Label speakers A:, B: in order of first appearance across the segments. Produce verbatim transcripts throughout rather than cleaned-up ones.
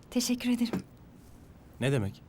A: Teşekkür ederim.
B: Ne demek?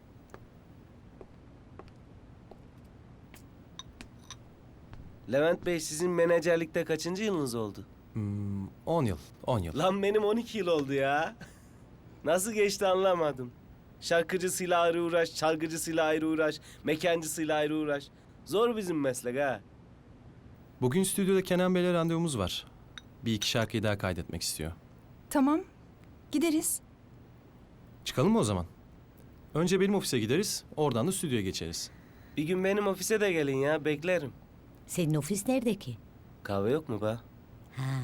C: Levent Bey, sizin menajerlikte kaçıncı yılınız oldu?
B: Hmm, on yıl, on yıl.
C: Lan benim on iki yıl oldu ya. Nasıl geçti anlamadım. Şarkıcısıyla ayrı uğraş, çalgıcısıyla ayrı uğraş, mekancısıyla ayrı uğraş. Zor bizim meslek ha.
B: Bugün stüdyoda Kenan Bey'le randevumuz var. Bir iki şarkıyı daha kaydetmek istiyor.
A: Tamam. Gideriz.
B: Çıkalım mı o zaman? Önce benim ofise gideriz, oradan da stüdyoya geçeriz.
C: Bir gün benim ofise de gelin ya, beklerim.
D: Senin ofis nerede ki?
C: Kahve yok mu be?
D: Ha.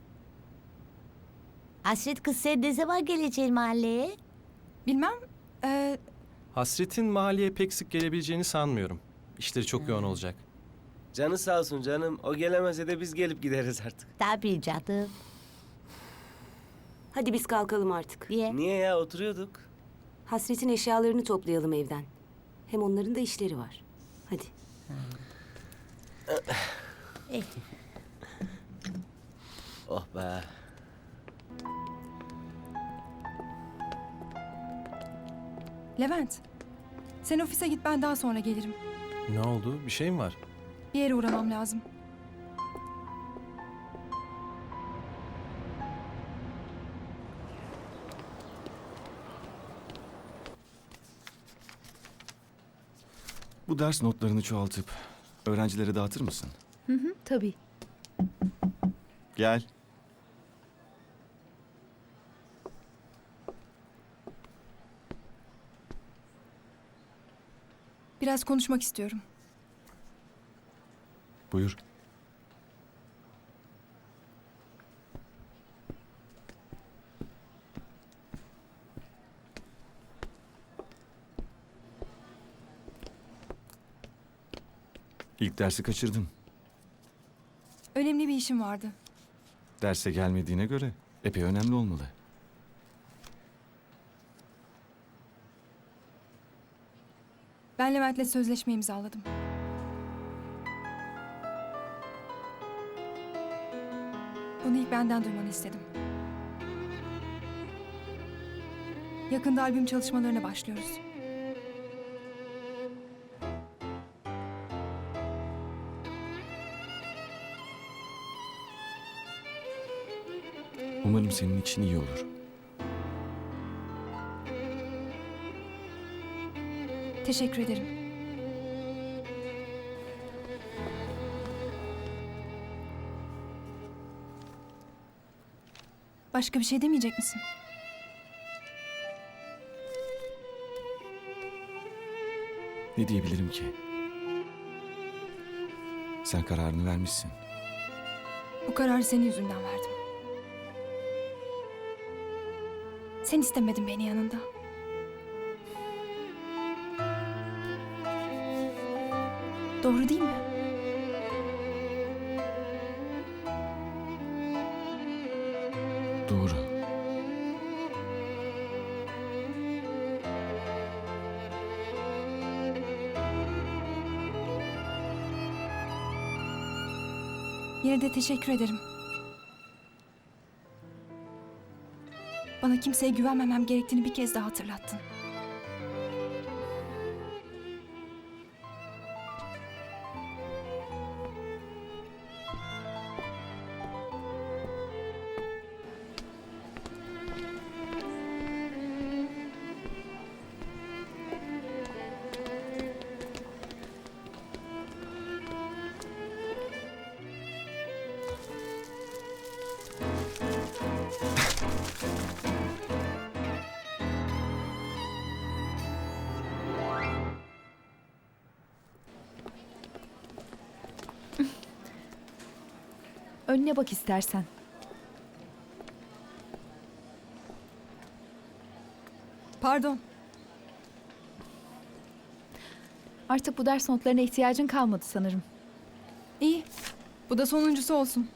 D: Hasret kız, sen ne zaman geleceksin mahalleye?
A: Bilmem. Ee,
B: Hasret'in mahalleye pek sık gelebileceğini sanmıyorum. İşleri çok yoğun olacak.
C: Canı sağ olsun canım. O gelemese de biz gelip gideriz artık.
D: Tabii canım.
E: Hadi biz kalkalım artık.
D: Niye?
C: Niye ya, oturuyorduk.
E: Hasret'in eşyalarını toplayalım evden. Hem onların da işleri var. Hadi.
D: Eh,
C: Oh be.
A: Levent. Sen ofise git, ben daha sonra gelirim.
B: Ne oldu? Bir şey mi var?
A: Bir yere uğramam lazım.
F: Bu ders notlarını çoğaltıp öğrencilere dağıtır mısın?
G: Tabii.
F: Gel.
A: Biraz konuşmak istiyorum.
F: Buyur. İlk dersi kaçırdın.
A: Önemli bir işim vardı.
F: Derse gelmediğine göre epey önemli olmalı.
A: Ben Levent'le sözleşme imzaladım. Bunu ilk benden duymanı istedim. Yakında albüm çalışmalarına başlıyoruz.
F: Umarım senin için iyi olur.
A: Teşekkür ederim. Başka bir şey demeyecek misin?
F: Ne diyebilirim ki? Sen kararını vermişsin.
A: Bu kararı senin yüzünden verdim. Sen istemedin beni yanında. Doğru değil mi?
F: Doğru.
A: Yine de teşekkür ederim. Bana kimseye güvenmemem gerektiğini bir kez daha hatırlattın.
G: Önüne bak istersen.
A: Pardon.
G: Artık bu ders notlarına ihtiyacın kalmadı sanırım.
A: İyi. Bu da sonuncusu olsun.